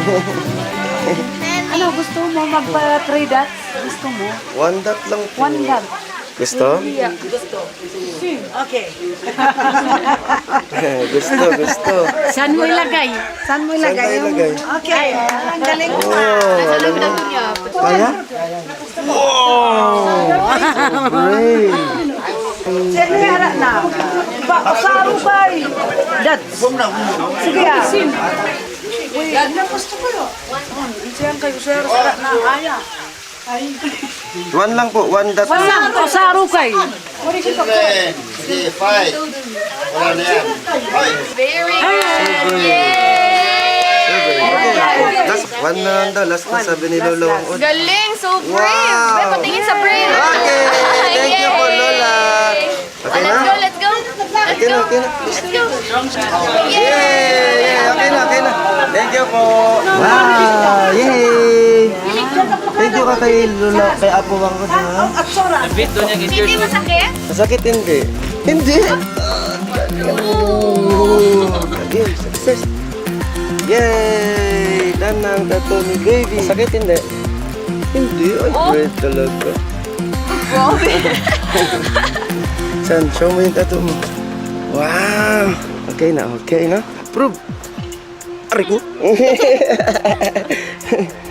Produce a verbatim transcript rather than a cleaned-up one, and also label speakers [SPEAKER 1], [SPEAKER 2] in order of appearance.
[SPEAKER 1] Ano, gusto mo magpa-three dots? Gusto mo?
[SPEAKER 2] One dot lang po.
[SPEAKER 1] One dot.
[SPEAKER 2] Gusto?
[SPEAKER 1] Yeah, gusto. Okay.
[SPEAKER 2] gusto, gusto.
[SPEAKER 1] Saan mo ilagay? Saan mo
[SPEAKER 2] Saan
[SPEAKER 1] ilagay?
[SPEAKER 2] tayo ilagay?
[SPEAKER 1] Okay. Ang galing mo.
[SPEAKER 2] Oh, alam mo. Kaya? Wow! Great!
[SPEAKER 1] Sino yara na? Ba, kasaro kay. Dots. Sige ah. Yan na gusto ko yun. Siyan kayo, sir. Sara na. Aya.
[SPEAKER 2] One lang po, one dot.
[SPEAKER 1] Wala, kasaro kay.
[SPEAKER 3] Children, sige, fight. Wala na yan. Fight.
[SPEAKER 4] Very good. Yay!
[SPEAKER 2] Last, one na lang daw. Last na sabi ni Lolo.
[SPEAKER 4] Galing, so brave.
[SPEAKER 2] Wow.
[SPEAKER 4] Wow. Patingin sa brave.
[SPEAKER 2] Okay, thank you po, Lola. Okay
[SPEAKER 4] Let's
[SPEAKER 2] na?
[SPEAKER 4] go, let's go. Let's
[SPEAKER 2] Okay na,
[SPEAKER 4] go.
[SPEAKER 2] okay na.
[SPEAKER 4] Let's go.
[SPEAKER 2] Yay! Okay na, okay na. Thank you po. Wow! Yay! Thank you ka kay Lola, kay Apo Wang ko ha.
[SPEAKER 4] Hindi masakit?
[SPEAKER 2] Masakit hindi? Hindi! Oh, again, success! Yay! Done na ang tattoo ni baby. Masakit hindi? Hindi. Ay, great talaga. San, show mo yung tattoo mo. Wow! Okay na, okay na. Approve! Aray ko!